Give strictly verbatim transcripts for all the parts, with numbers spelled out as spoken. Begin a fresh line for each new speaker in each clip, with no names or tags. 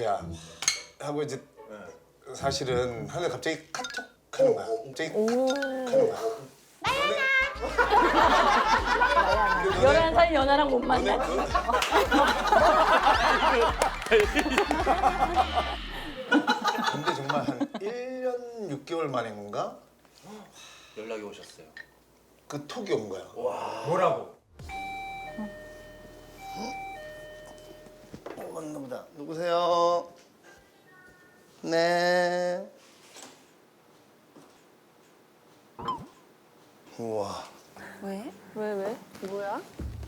누구야 하고 이제 사실은 하늘 갑자기 카톡 하는 거야. 갑자기 카톡 하는 거야.
열한 살 연하랑 못 만나.
근데 정말 한 일 년 육 개월 만인가
연락이 오셨어요.
그 톡이 온 거야.
뭐라고?
어, 왔나 보다. 누구세요? 네. 우와.
왜? 왜 왜? 뭐야?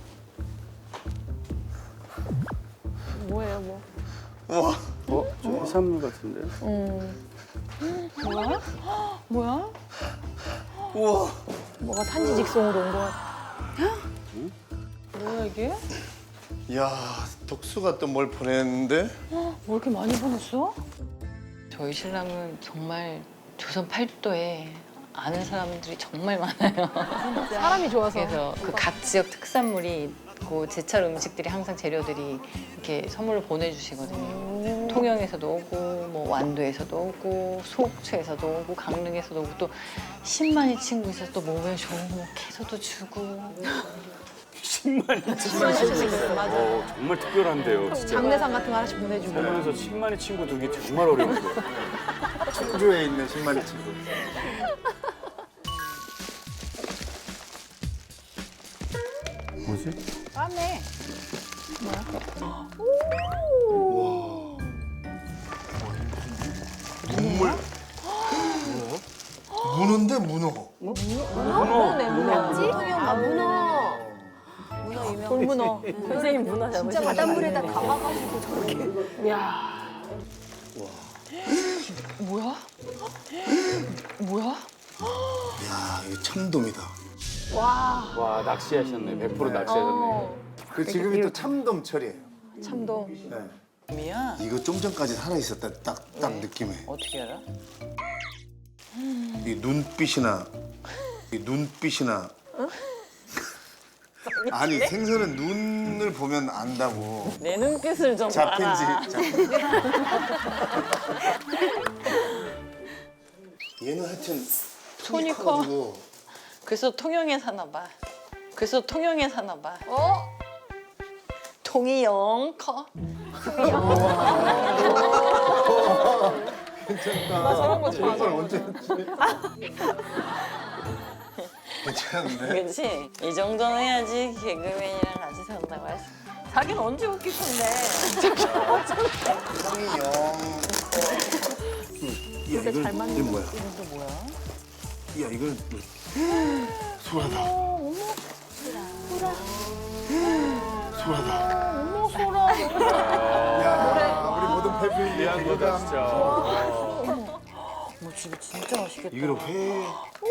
뭐예요 뭐?
우와.
어? 좀 해산물 같은데?
뭐야? 뭐야?
우와.
뭐가 산지 직송으로 온 거 같아. 뭐야 이게?
야, 덕수가 또 뭘 보냈는데?
뭐 이렇게 많이 보냈어?
저희 신랑은 정말 조선 팔도에 아는 사람들이 정말 많아요.
사람이 좋아서.
그래서 그 각 지역 특산물이 있고 제철 음식들이 항상 재료들이 이렇게 선물로 보내주시거든요. 통영에서도 오고 뭐 완도에서도 오고 속초에서도 오고 강릉에서도 오고 또 십만이 친구 있어서 또 몸에 좋은 거 캐서도 주고.
십만이 친구.
맞아.
어, 정말 특별한데요, 진짜.
장례상 같은 거 하나씩 보내주고.
보면서 십만의 친구 두기 정말 어려운데.
청주에 있는 신만의 친구.
뭐지?
까매.
눈물. 문어인데 문어.
문어.
문어네 문어. 통영 아 문어. 문어 유명. 돌문어. 선생님 문어 잡으시는 진짜 바닷물에다 감아가지고 저렇게. 야.
뭐야? 뭐야?
야, 이거 참돔이다.
와.
와, 낚시하셨네. 백 퍼센트 낚시하셨네.
어.
그 지금이 또 참돔철이에요.
참돔.
네.
미야?
이거 좀 전까지 살아 있었다. 딱 딱 느낌에.
어떻게 알아?
이 눈빛이나 이 눈빛이나. 아니 생선은 눈을 보면 안다고.
내 눈빛을 좀
잡힌지.
봐라.
잡힌지. 얘는 하여튼
손이 커.
커가지고
그래서 통영에 사나 봐. 그래서 통영에 사나 봐.
어?
통이 영 커.
괜찮다.
저런 거 좋아.
이걸 언제 했지? 괜찮은데?
그렇지? 이 정도는 해야지 개그맨이랑 같이 산다고 할 수. 자기는 언제 웃길 건데.
성이 영. 야, 이건
잘 맞는
이건 뭐야?
이거 뭐야?
야, 이건 소라다.
어머.
소라다.
어머 소라.
야, 우리 모든 패밀리
미안 거다, 진짜.
뭐 진짜 진짜 맛있겠다.
이거를 회.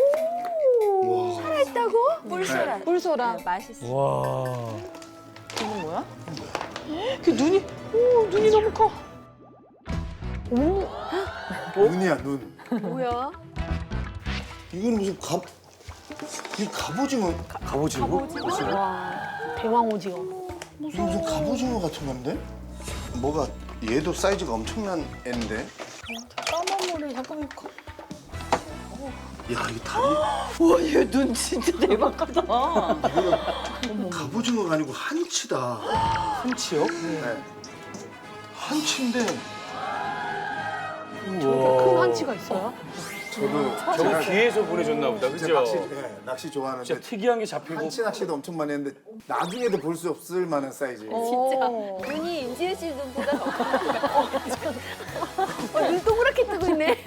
살아있다고? 뿔소라. 뿔소라. 맛있어.
와.
이건 뭐야?
그 눈이, 오 눈이 너무 커. 오.
눈이야, 눈.
뭐야?
이거는 무슨 갑. 이 갑오징어.
갑오징어?
와. 대왕 오징어.
이거 무슨 갑오징어 같은 건데? 뭐가 얘도 사이즈가 엄청난 애인데?
까만 머리 잠깐만 커.
야, 이거 다리.
우와 얘 눈 진짜 대박하다.
갑오징어가 아니고 한치다.
한치요?
네. 한치인데
큰 한치가 있어요?
저도
저거
제가
귀에서 보내줬나 보다,
진짜
그죠?
낚시, 네, 낚시 좋아하는데
진짜 특이한 게 잡히고.
한치 낚시도 엄청 많이 했는데 나중에도 볼 수 없을 만한 사이즈.
진짜.
눈이 인지혜 씨 눈보다 더 커. 어, 눈 동그랗게 뜨고 있네.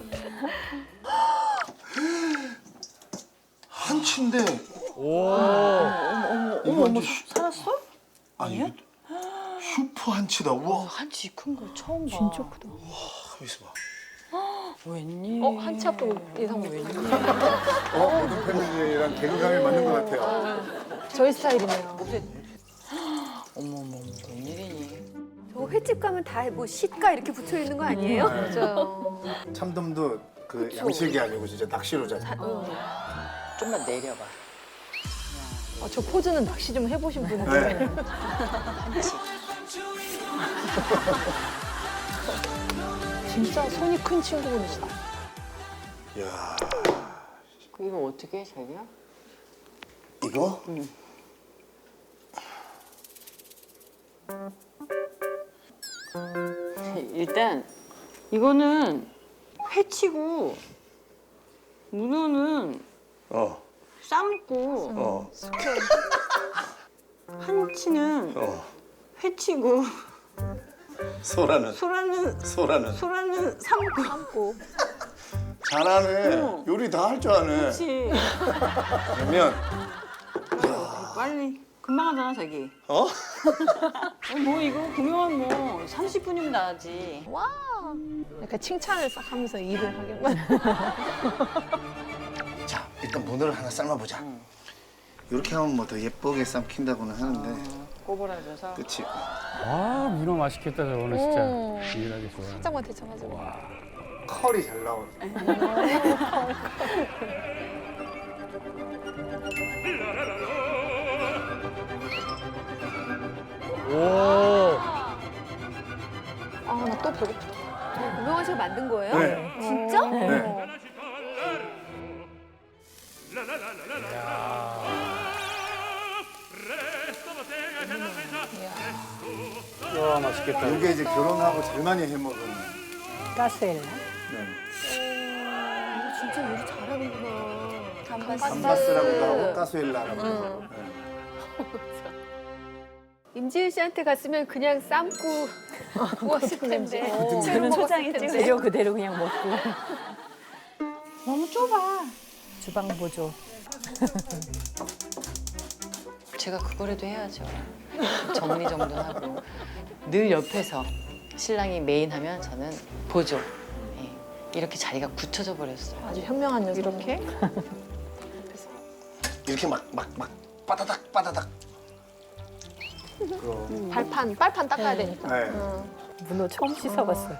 한치인데
오.
이거 완전 슈-
살았어?
아니 이거 슈퍼 한치다. 우와.
한치 큰 걸 처음 봐.
진짜 크다.
가만 있어봐.
웬일?
어 한치 앞도 예상 못 했네.
어, 모든 패밀리랑 개그감이 맞는 것 같아요.
저희 스타일이네요.
어머머 웬일이니?
저 횟집 가면 다 뭐 시가 이렇게 붙여 있는 거 아니에요?
맞아요.
참돔도 그 양식이 아니고 진짜 낚시로 잡아.
좀만 내려봐.
아, 저 포즈는 낚시 좀 해보신 분인데.
네.
한치.
진짜 손이 큰 친구분이시다.
야
이거 어떻게 해, 자기야?
이거?
일단 이거는 회치고 문어는
어.
삶고
어.
한치는
어.
회치고
소라는
소라는
소라는
소라는 삶고 삶고
잘하네.
어.
요리 다 할 줄 아네.
그렇지.
그러면
빨리 금방 하잖아 자기.
어?
어, 뭐 이거 구경은 뭐 삼십 분이면 나지.
약간 칭찬을 싹 하면서 일을 하겠만.
자 일단 문어를 하나 삶아보자. 이렇게 하면 뭐 더 예쁘게 삶긴다고는 하는데.
꼬부라져서.
그치.
아 문어 맛있겠다 저거는 진짜. 유일하게 좋아.
살짝만 데쳐가지고.
컬이 잘 나오네.
오.
아, 나 또 배고프다.
고명환 씨가 만든 거예요?
네.
진짜?
네.
와 맛있겠다.
이게 이제 결혼하고 제일 많이 해먹은.
가스엘라.
진짜 요리 잘하는구나. 감바스.
감바스라고도 하고 가스엘라라고 하고.
임지은 씨한테 갔으면 그냥 삶고 구웠을 텐데.
저는
초장에
찍어 재료 그대로 그냥 먹고.
너무 좁아.
주방 보조.
제가 그거라도 해야죠. 정리정돈하고 늘 옆에서 신랑이 메인 하면 저는 보조. 예. 이렇게 자리가 굳혀져 버렸어요.
아주 현명한 녀석.
이렇게
이렇게 막 막 막 빠다닥 빠다닥.
발판, 빨판 닦아야 되니까.
네.
문어 처음 씻어봤어요.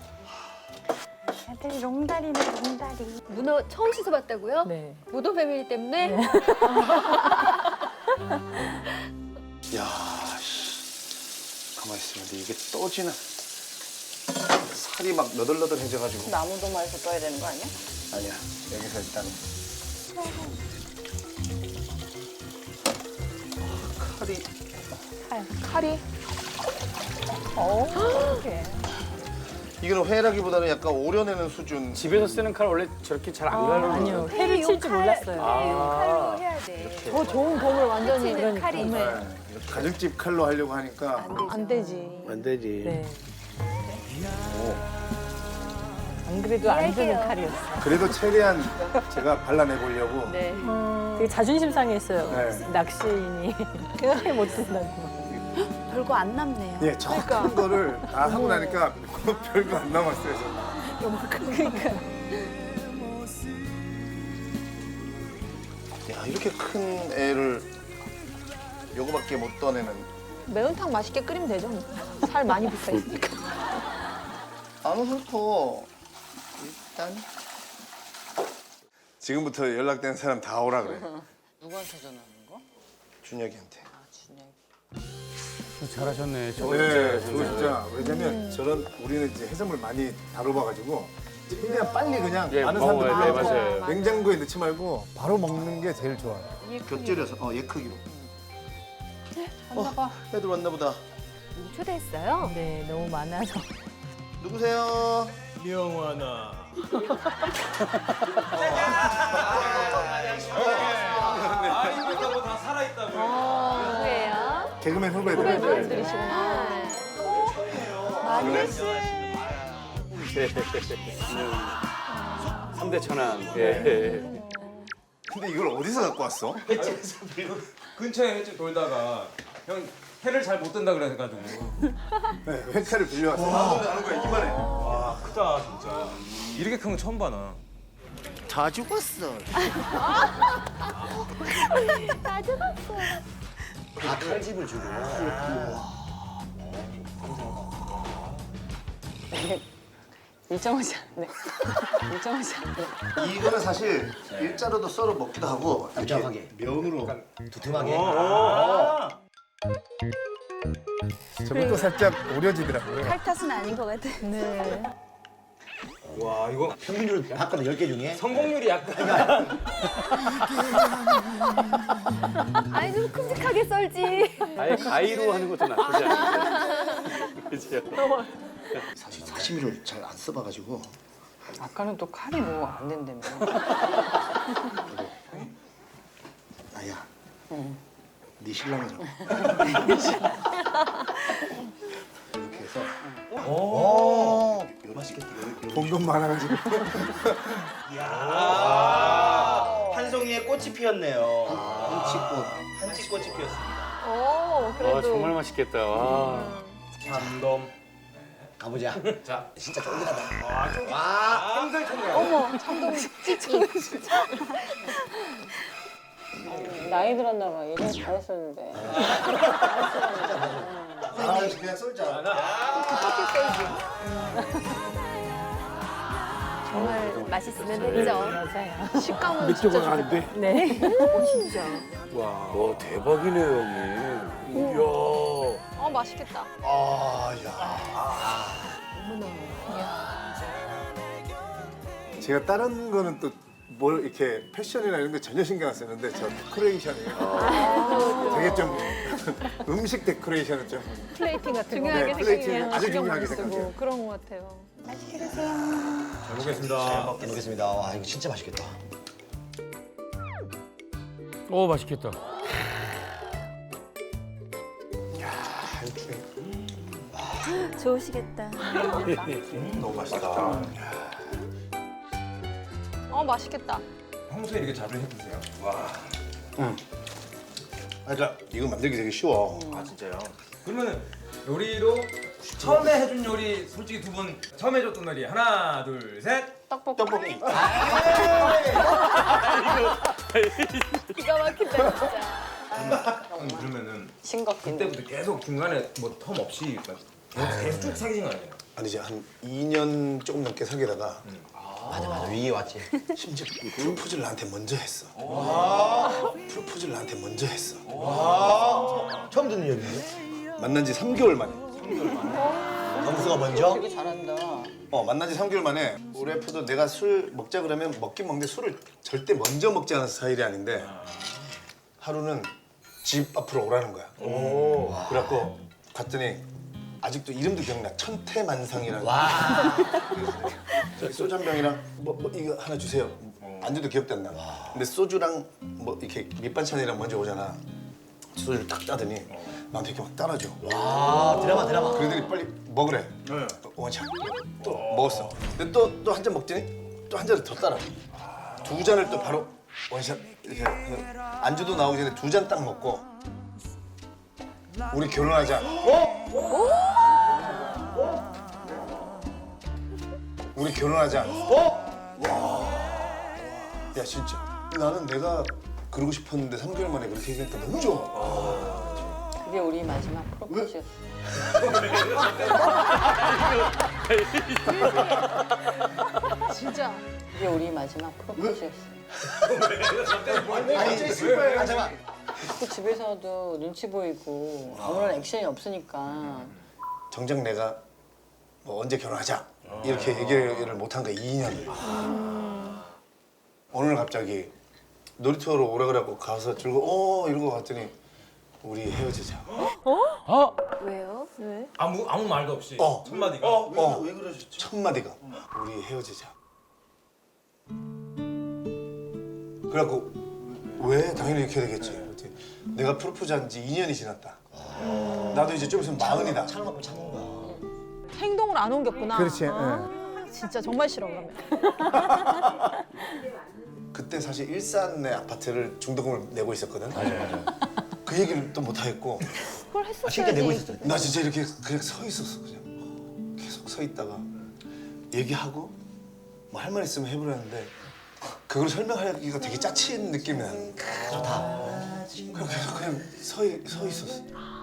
아들 롱다리네 롱다리.
문어 처음 씻어봤다고요?
네.
무도 패밀리 때문에?
야, 씨. 가만히 있으면 이게 떠지나. 살이 막 너덜너덜해져가지고.
나무 도마에서 떠야 되는 거 아니야?
아니야. 여기서 일단. 아, 칼이.
칼이. 어, 어떡해.
이거는 회라기보다는 약간 오려내는 수준.
집에서 쓰는 칼 원래 저렇게 잘 안 갈르는
아니요, 회를 칠 줄 몰랐어요.
아.
해야 돼.
더 좋은 검을 완전히
그치는 칼이
네.
네. 가정집 칼로 하려고 하니까.
안 되지.
안 되지.
네. 안 그래도 안 되는
이야기해요.
칼이었어요.
그래도 최대한 제가 발라내 보려고.
네.
되게 자존심 상했어요.
네.
낚시인이. 생각해 못 든다고.
별거 안 남네요.
예, 저 큰 거를 다 하고 나니까 별거 안 남았어요. 저는. 야, 이렇게 큰 애를 요거밖에 못 떠내는.
매운탕 맛있게 끓이면 되죠. 살 많이 붙어 있으니까.
안 훑어. 일단. 지금부터 연락된 사람 다 오라 그래.
누구한테 전화하는 거?
준혁이한테.
아 준혁이.
잘하셨네. 저거
네,
진짜.
저거 진짜. 왜냐면 저런 우리는 이제 해산물 많이 다뤄봐가지고 최대한 빨리 그냥
예,
많은
먹어야
사람들
돼, 맞아요.
냉장고에 넣지 말고 바로 먹는 게 제일 좋아요. 곁들여서, 어, 얘 크기로. 어, 애들 왔나 보다.
초대했어요?
네, 너무 많아서.
누구세요?
명환아. 아이들도 뭐다 살아있다고.
누구예요?
개그맨 후배들.
후배들이시구나.
삼대 천왕. 예.
근데 이걸 어디서 갖고 왔어?
근처에 횟집 돌다가 형 해를 잘 못 든다 그래가지고.
네, 회차를 빌려왔어. 나도 아는 거야, 이만해.
와 크다 진짜. 이렇게 큰 거 처음 봐 나.
다 죽었어.
다 죽었어.
다 칼집을 주고.
일정하지 않네. 일정하지 않네.
이거는 사실 일자로도 썰어 먹기도 하고 일정하게 면으로 두툼하게. 저것도 살짝 오려지더라고요.
칼 탓은 아닌 것 같아.
네.
와 이거
평균으로 봤거든 열 개 중에.
성공률이 약간.
아이 좀 큼직하게 썰지.
아예 가위로 하는 것도 나쁘지 않은데. 그죠?
사실 사시미를 잘 안 써봐가지고.
아까는 또 칼이 뭐 안 된다며.
아야. 응. 네 신랑이잖아. 이렇게 해서. 오. 이거 맛있겠다.
본건 많아가지고.
한 송이에 꽃이 피었네요. 한치꽃. 한치꽃이 피었습니다.
오
와
그래도.
정말 맛있겠다. 와.
참돔.
가보자.
자,
진짜 쫄깃하다.
와, 힘들 텐데.
어머 참돔 찌찌.
나이 들었나 봐. 예전에 잘했었는데.
아, 그냥 쏠자.
정말 맛있으면 됐죠.
맞아요.
식감은
맥주가
진짜
나는데.
좋겠다.
네.
진짜.
와 대박이네요 형님. 이야.
어 맛있겠다.
아, 야.
제가 다른 거는 또 뭘 이렇게 패션이나 이런 거 전혀 신경 안 쓰는데 저 데코레이션이에요. 되게 좀 음식 데코레이션을 좀
플레이팅 같은 거.
중요하게
네, 플레이팅을
생각해요.
아주
신경
중요하게
많이 쓰고
생각해요.
그런 것 같아요.
잘 먹겠습니다.
잘 먹겠습니다. 와, 이거 진짜 맛있겠다.
오 맛있겠다.
좋으시겠다.
너무 맛있다.
어 맛있겠다.
평소에 이렇게 자주 해드세요? 와.
아, 그러니까 이거 만들기 되게 쉬워.
아 진짜요? 그러면은 요리로 처음에 해준 요리 솔직히 두 분 처음 해줬던 요리 하나 둘 셋.
떡볶이.
떡볶이.
기가 막힌다 진짜.
형 그러면은
싱겁긴데.
그때부터 계속 중간에 뭐 텀 없이 막 계속, 계속 쭉 사귀신 거 아니에요?
아니지 한 이 년 조금 넘게 사귀다가
맞아, 맞아. 위에 왔지.
심지어 프로포즈를 나한테 먼저 했어. 프로포즈를 나한테 먼저 했어.
처음 듣는 얘기인데?
만난 지 삼 개월 만에.
점수가 먼저?
되게 잘한다.
어 만난 지 삼 개월 만에 우리 와이프도 내가 술 먹자 그러면 먹긴 먹는데 술을 절대 먼저 먹지 않은 스타일이 아닌데 하루는 집 앞으로 오라는 거야. 그래갖고 갔더니 아직도 이름도 기억나. 천태만상이라는.
와.
저기 소주 한 병이랑 뭐, 뭐 이거 하나 주세요. 안주도 기억도 안 나. 근데 소주랑 뭐 이렇게 밑반찬이랑 먼저 오잖아. 소주를 딱 따더니 나한테 이렇게 막 따라줘.
아, 드라마, 드라마.
그러더니 빨리 먹으래. 원샷. 또 먹었어. 근데 또 또 한 잔 먹더니 또 한 잔을 더 따라. 두 잔을 또 바로 원샷 이렇게 해서 안주도 나오기 전에 두 잔 딱 먹고 우리 결혼하자. 우리 결혼하자. 야 진짜 나는 내가 그러고 싶었는데 삼 개월 만에 그렇게 얘기하니까 너무 좋아.
그게 우리 마지막 프로포즈였어.
진짜.
그게 우리 마지막 프로포즈였어.
아니, 슬퍼요. 아, 잠깐.
자꾸 집에서도 눈치 보이고 아무런 액션이 없으니까
정작 내가 뭐 언제 결혼하자 이렇게 얘기를 못 한 거야 이 년을. 어느 날 갑자기 놀이터로 오라 그래갖고 가서 들고 어 이러고 갔더니 우리 헤어지자.
왜요? 왜?
아무 아무 말도 없이
어.
첫 마디가.
어,
왜 그러셨죠?
첫 마디가 우리 헤어지자. 그래갖고 왜 당연히 이렇게 되겠지. 그랬더니 내가 프로포즈한 지 이 년이 지났다. 나도 이제 좀 있으면 마흔이다.
참은 만큼 참은 거야.
행동을 안 옮겼구나.
그렇지,
아, 진짜 정말 싫어 그러면.
그때 사실 일산의 아파트를 중도금을 내고 있었거든. 맞아 맞아. 그 얘기를 또 못 하겠고
그걸
아,
했었어야지.
실제 내고 있었어.
나 진짜 이렇게 그냥 서 있었어 그냥 계속 서 있다가 얘기하고 뭐 할 말 있으면 해보려는데 그걸 설명하기가 되게 짜친 느낌이 나는.
좋다.
그냥 계속 그냥 서, 있- 서 있었어.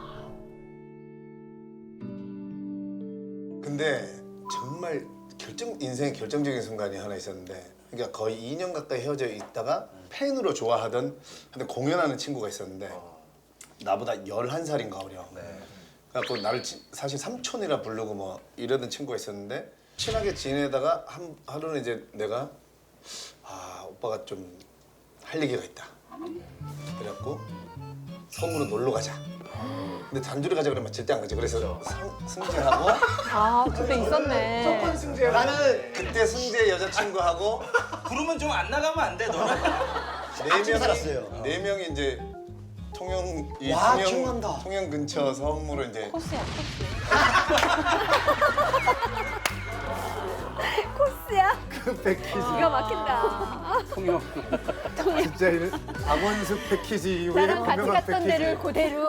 근데 정말 결정 인생의 결정적인 순간이 하나 있었는데, 그러니까 거의 이 년 가까이 헤어져 있다가 팬으로 좋아하던 하여튼 공연하는 친구가 있었는데 나보다 열한 살인가 어려. 그래갖고 나를 치- 사실 삼촌이라 부르고 뭐 이러던 친구가 있었는데 친하게 지내다가 한 하루는 이제 내가 아 오빠가 좀 할 얘기가 있다. 그래갖고 섬으로 놀러 가자. 근데 단둘이 가자 그러면 절대 안 가지. 그래서 상, 승재하고
아 그때 있었네.
나는 그때 승재 여자친구하고
부르면 좀 안 나가면 안 돼, 너는?
네 명이
살았어요.
네 명이 이제 통영 이
와,
통영
기억난다.
통영 근처 섬으로 이제
코스야
코스야?
그 패키지.
기가 막힌다.
통영.
진짜 이런 강원숙 패키지 이후에
나랑 같이
건강한
갔던
패키지.
데를 그대로.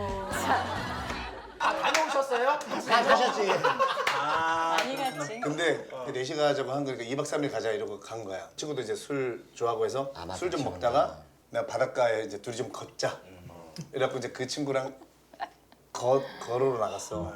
아, 다녀오셨어요?
다 가셨지.
많이 갔지.
근데 넷이 가자고 한 거니까 이 박 삼 일 가자 이러고 간 거야. 친구도 이제 술 좋아하고 해서
아, 맞아.
술 좀
기억나.
먹다가 내가 바닷가에 이제 둘이 좀 걷자. 이래갖고 이제 그 친구랑 거, 걸으러 나갔어.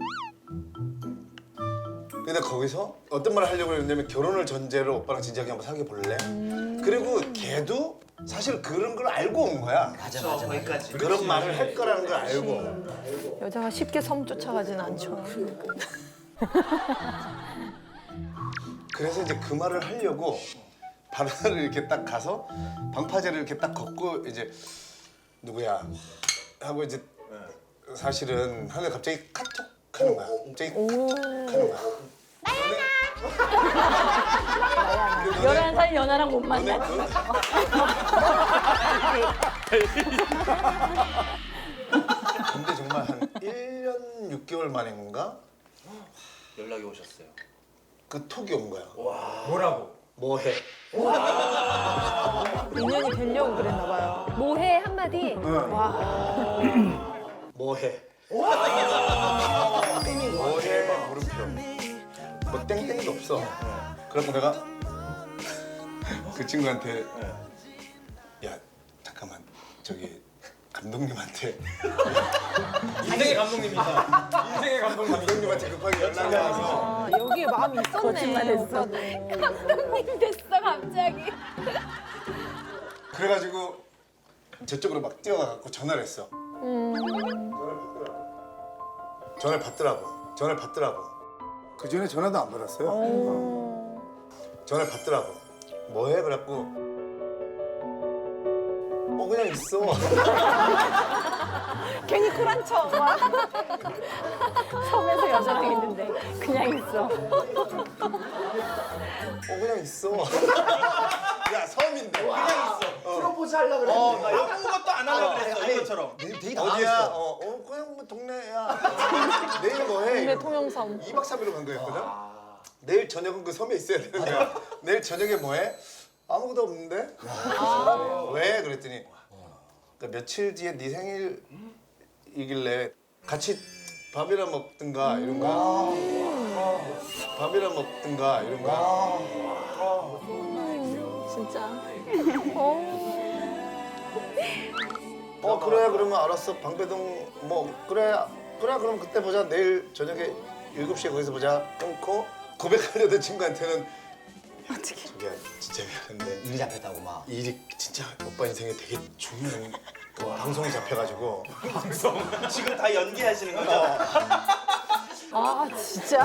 근데 거기서 어떤 말을 하려고 했냐면 결혼을 전제로 오빠랑 진지하게 한번 사귀어 볼래? 그리고 걔도 사실 그런 걸 알고 온 거야.
맞아 맞아.
거기까지.
그런 말을 할 거라는 걸 알고.
여자가 쉽게 섬 쫓아가진 않죠.
그래서 이제 그 말을 하려고 바다를 이렇게 딱 가서 방파제를 이렇게 딱 걷고 이제 누구야 하고 이제 사실은 하늘 갑자기 카톡 하는 거야. 갑자기 카톡 하는 거야. 너네
열한 살 연하랑 못
너네
만나.
그 근데 정말 한 일 년 육 개월 만인가
연락이 오셨어요.
그 톡이 온 거야.
뭐라고?
뭐해?
인연이 되려고 그랬나 봐요.
뭐해 한마디?
뭐해? 뭐해? 물음표. 뭐 땡땡도 없어. 그래서 내가 그 친구한테 야 잠깐만 저기 감독님한테
인생의 감독님이다. 인생의 감독님.
감독님한테 급하게 연락이 와서
아, 여기에 마음이 있었네.
거짓말했어.
감독님 됐어 갑자기.
그래가지고 저쪽으로 막 뛰어가갖고 전화를 했어. 전화를 받더라고. 전화를 받더라고. 그 전에 전화도 안 받았어요. 전화를 받더라고. 뭐해? 그래갖고 어 그냥 있어.
괜히 쿨한 척. 와. 섬에서 여자랑 있는데 그냥 있어.
어 그냥 있어. 야 섬인데. 그냥 있어.
프로포즈 하려고 그랬는데.
어, 나 아무것도 안 하려고 그랬어, 이것처럼.
되게, 되게
어디야?
당황했어.
어, 어 그냥 뭐 동네야. 내일 뭐해?
동네 통영섬.
이 박 삼 일로 간 거였거든. 내일 저녁은 그 섬에 있어야 되는 거야. 내일 저녁에 뭐해? 아무것도 없는데. 왜? 그랬더니 그러니까 며칠 뒤에 네 생일이길래 같이 밥이나 먹든가 이런 거야. 밥이나 먹든가 이런 거야.
진짜.
어 그래 그러면 알았어 방배동 뭐 그래 그래 그럼 그때 보자 내일 저녁에 일곱 시에 거기서 보자 끊고 고백하려던 친구한테는 야 저기야 진짜 미안한데
일이 잡혔다고 막.
일이 진짜 오빠 인생에 되게 중요한 그 방송이 잡혀가지고
지금 다 연기하시는 거죠?
아 진짜.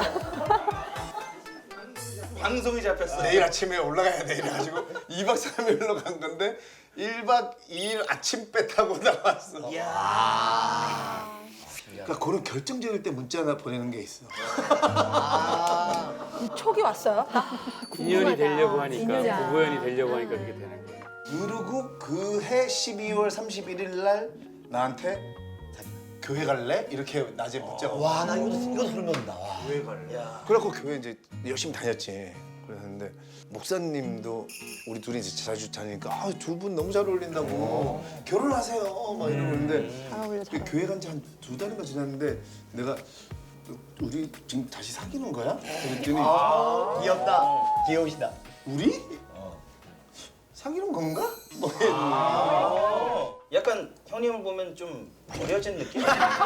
방송이 잡혔어.
내일 아침에 올라가야 돼 이래가지고 이 박 삼 일로 간 건데 일 박 이 일 아침 배 타고 나왔어. 그러니까 그런 결정적일 때 문자 하나 보내는 게 있어.
촉이 왔어요?
인연이 되려고 하니까
인연이야.
부부연이 되려고 하니까 그렇게 되는 거예요.
그리고 그 해 십이월 삼십일일 날 나한테 교회 갈래? 이렇게 낮에 문자가 와.
와, 나 이것도 이것도 소름 돋는다. 와.
왜 갈래?
그래갖고 교회 이제 열심히 다녔지. 그랬는데 목사님도 우리 둘이 이제 자주 다니니까 아, 두 분 너무 잘 어울린다고 결혼하세요 막 이러고 있는데
잘 어울려, 잘
그 교회 간 지 한 두 달인가 지났는데 내가 우리 지금 다시 사귀는 거야? 그랬더니
귀엽다. 귀여우시다.
우리? 사귀는 건가? 뭐
어, 약간 형님을 보면 좀 버려진 느낌?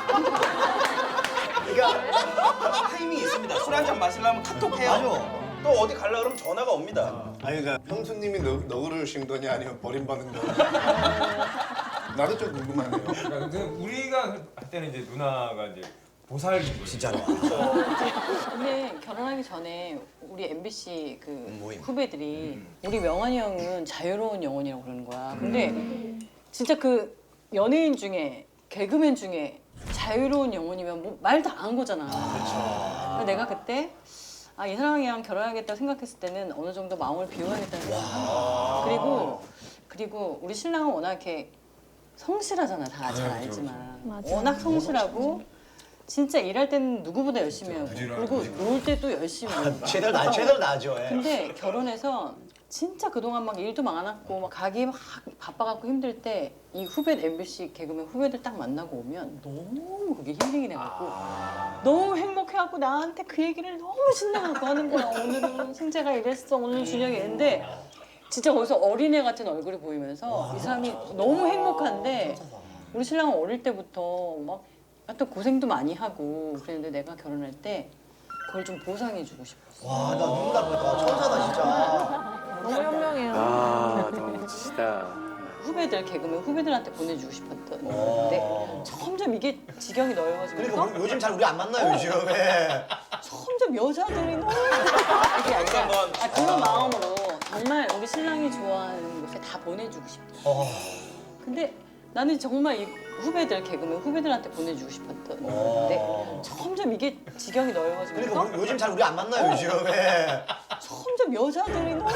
그러니까 타이밍이 있습니다. 술 한 잔 마시려면 카톡해요.
맞아.
또 어디 갈라 그러면 전화가 옵니다.
아니 그러니까 형수님이 너, 너그러우신 거냐 아니면 버림받은 거냐 나도 좀 궁금하네요.
그러니까 근데 우리가 할 때는 이제 누나가 이제 보살 기분.
진짜로.
근데 결혼하기 전에 우리 엠비씨 그
모임.
후배들이 우리 명환이 형은 자유로운 영혼이라고 그러는 거야. 근데 진짜 그 연예인 중에 개그맨 중에 자유로운 영혼이면 뭐 말 다 안 거잖아. 그렇죠. 내가 그때 아, 이 사람이랑 결혼하겠다고 생각했을 때는 어느 정도 마음을 비워야겠다는 생각. 그리고 그리고 우리 신랑은 워낙 이렇게 성실하잖아. 다 잘 알지만. 워낙 성실하고 진짜 일할 때는 누구보다 열심히 하고 그리고 놀 때도 열심히 하고.
최대로 나 최대로 나죠. 예.
근데 결혼해서 진짜 그동안 막 일도 많았고 막 가기 막 바빠갖고 힘들 때 이 후배 엠비씨 개그맨 후배들 딱 만나고 오면 너무 그게 힐링이 돼갖고 너무 행복해갖고 나한테 그 얘기를 너무 신나갖고 하는 거야. 오늘은 승재가 이랬어, 오늘은 준영이 이랬는데 진짜 거기서 어린애 같은 얼굴이 보이면서 이 사람이 너무 행복한데 우리 신랑은 어릴 때부터 막 하여튼 고생도 많이 하고 그랬는데 내가 결혼할 때 그걸 좀 보상해주고 싶었어.
와, 나 눈물 날 뻔했다. 천사다 진짜.
너무 현명해요.
아, 너무 멋지다.
후배들 개그맨 후배들한테 보내주고 싶었던 건데 점점 이게 지경이 넓어지면서
그러니까 우리, 요즘 잘 우리 안 만나요 요즘. 예.
점점 여자들이 너무 이게 아니라 아, 그런 마음으로 정말 우리 신랑이 좋아하는 곳에 다 보내주고 싶어.
어.
근데 나는 정말 이 후배들 개그맨 후배들한테 보내주고 싶었던 건데 점점 이게 지경이 넓어지면서
그러니까 우리, 요즘 잘 우리 안 만나요 요즘. 예.
점점 여자들이 너무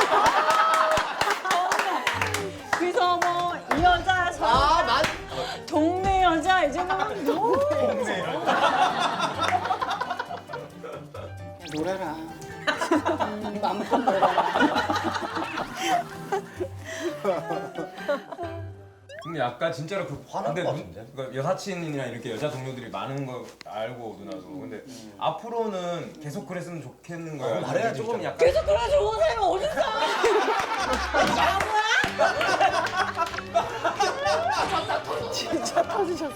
그래서 뭐 이 여자 저
아, 난
동네 여자 이제 막 너무 동네 여자 놀아라 마음껏 놀아라.
근데 약간 진짜로 그
화날
근데
것
누-
같은데?
그러니까 여사친이나 이렇게 여자 동료들이 많은 거 알고 누나도 근데 앞으로는 계속 그랬으면 좋겠는 거야.
어, 말해야
조금
진짜.
약간
계속 그래 좋은 사람이 어딨어.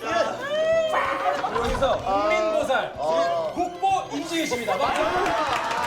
여기서 국민보살
어.
국보 임지희십니다.